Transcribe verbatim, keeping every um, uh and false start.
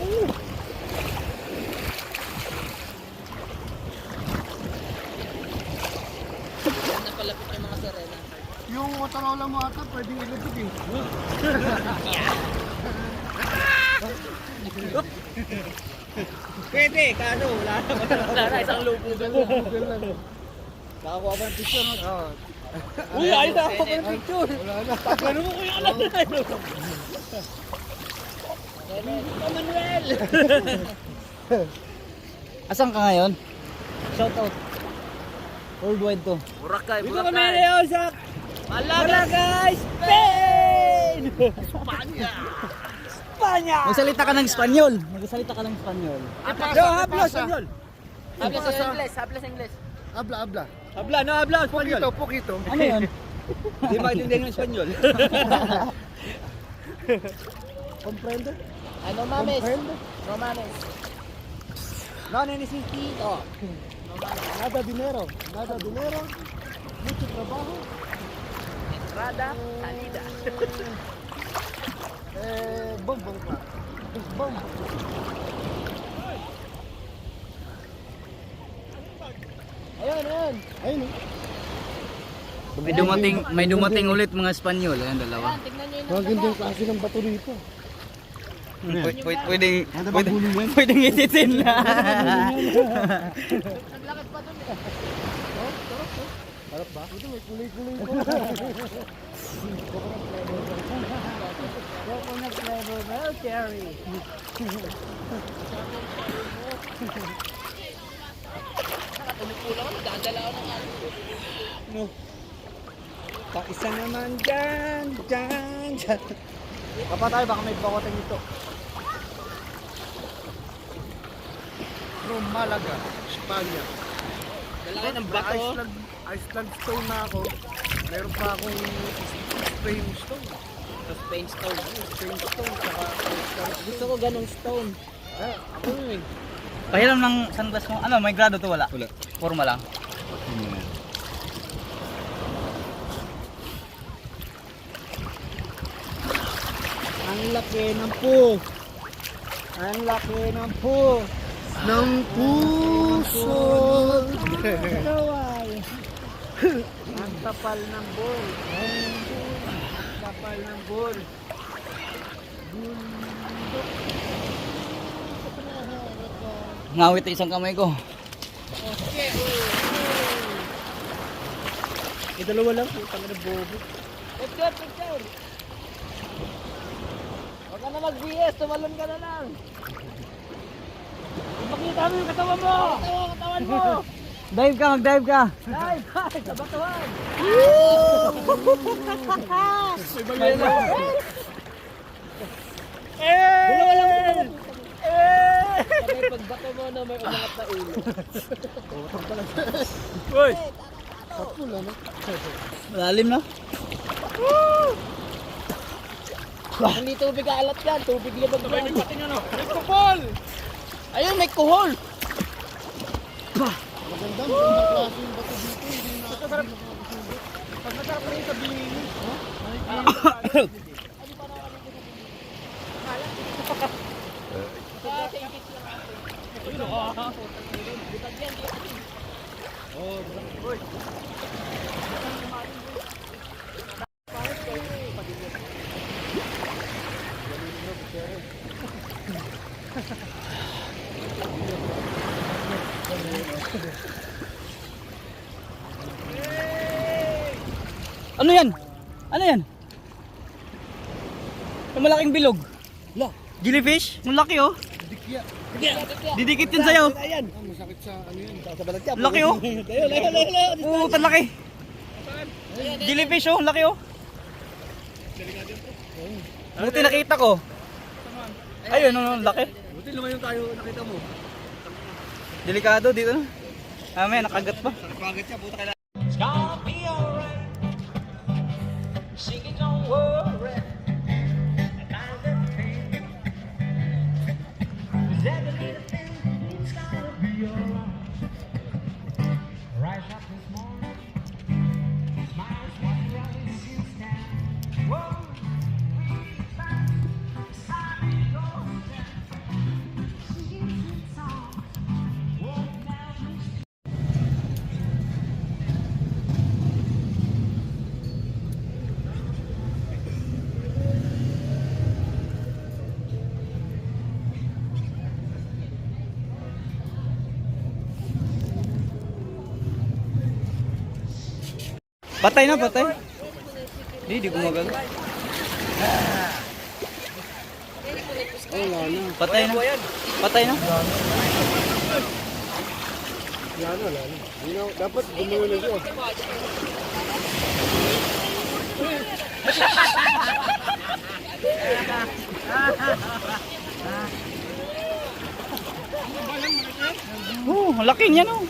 Napalapit yung mga sirena. Yung Motorola mo ata, pwedeng ilubog eh. Pwede, kaso wala na. Wala na, isang lupo lang. Nakakuha ba ng picture mo? Oo. Uy, ayun na ako ng picture. Wala na. Pagkano mo kuya alam na. Manuel! Asan ka ngayon? Shout out. Worldwide to. Boracay, Boracay. Dito kami ngayon sa Malaga, Spain! Espanya! Espanya! Magsalita ka ng Espanyol. Magsalita ka ng Espanyol. Yo, habla Espanyol. Habla sa English, habla sa English. Habla, habla. Habla, no habla Espanyol. Poquito, poquito. Ano yun? Hindi maintindihan ng Espanyol. Comprende? Ano mames? Comprende? No mames. No necesito. Nada dinero. Nada dinero. Mucho trabajo. Entrada, salida. Eh, bombong pa. Bombong. Ayun, ayun. Ayun eh. May dumating, may dumating ulit mga Espanyol. Ayan, dalawa. Yan, tignan nyo yung Ang gandang klase ng bato rito. Pwede, pwedeng, Ano ba pwede, gulong yan? pwedeng isitin na. naglakad pa dun eh. Oh, sarap oh. Sarap ba? Ito may kulay-kulay ko. Coconut flavor, well cherry. Nakatulog-pula ko, nagdadala ako ng ano. Paisa naman dyan, dyan, dyan. Papa tayo, baka may bakotin ito. From Malaga, Espanya. Lalaki ng May bato. Iceland, Iceland stone na ako. Meron pa akong Spain stone. Sa Spain stone. Spain stone, saka Iceland Gusto ko ganong stone. Ah, ako yun eh. Pahiram ng sunglass mo. Ano, may grado to wala? Wala. Forma lang. Ang laki ng po. Ang laki ng po. Ng puso. Kaway. Ang tapal ng bull. Ang tapal ng bull. Ngawit isang kamay ko. Eh, dalawa lang po. Tanga na bobo. Picture, picture. Huwag ka na mag-V S, tumalon ka na lang. Ipakita mo yung katawan mo. Katawan, katawan mo. Dive ka, mag-dive ka. Live, live, sa batuhan. May bala. Eh! Eh! Sabay pagbato mo na may umangat na ulo. Uy! Patpul ano? Malalim na. Hindi tubig alat yan, tubig libag yan. May pating ano? May kupal! Ayun, may kuhol. Maganda, maganda klase yung bato dito. Hindi na masarap. Pag masarap rin sa binili. Ano yan? Ano yan? Yung malaking bilog. La, Jellyfish? Ang laki oh. dikya. Didikit yun sa'yo. Ayan. Ah, masakit sa ano yun. Sa balat yan. Laki oh. Layo, layo, layo, layo. Oo, tan laki. Jellyfish oh, laki oh. Buti nakita ko. Ayun, ano, laki. Buti lumayon tayo, nakita mo. Delikado dito. Mamaya nakagat pa. Pagkat siya, buta kailangan. It's gonna be alright. Sing it, don't worry. About the thing. 'Cause every little thing, it's gonna be alright. Rise up this morning. Smiles while you're on the seats down. Whoa, breathe back. Sun goes down. Patay na, patay. Hindi, di gumagano. Ay, wala na. Patay na. Patay na. Wala na, wala na. Hindi na, dapat gumawa na siya. Oh, ang laki niya no.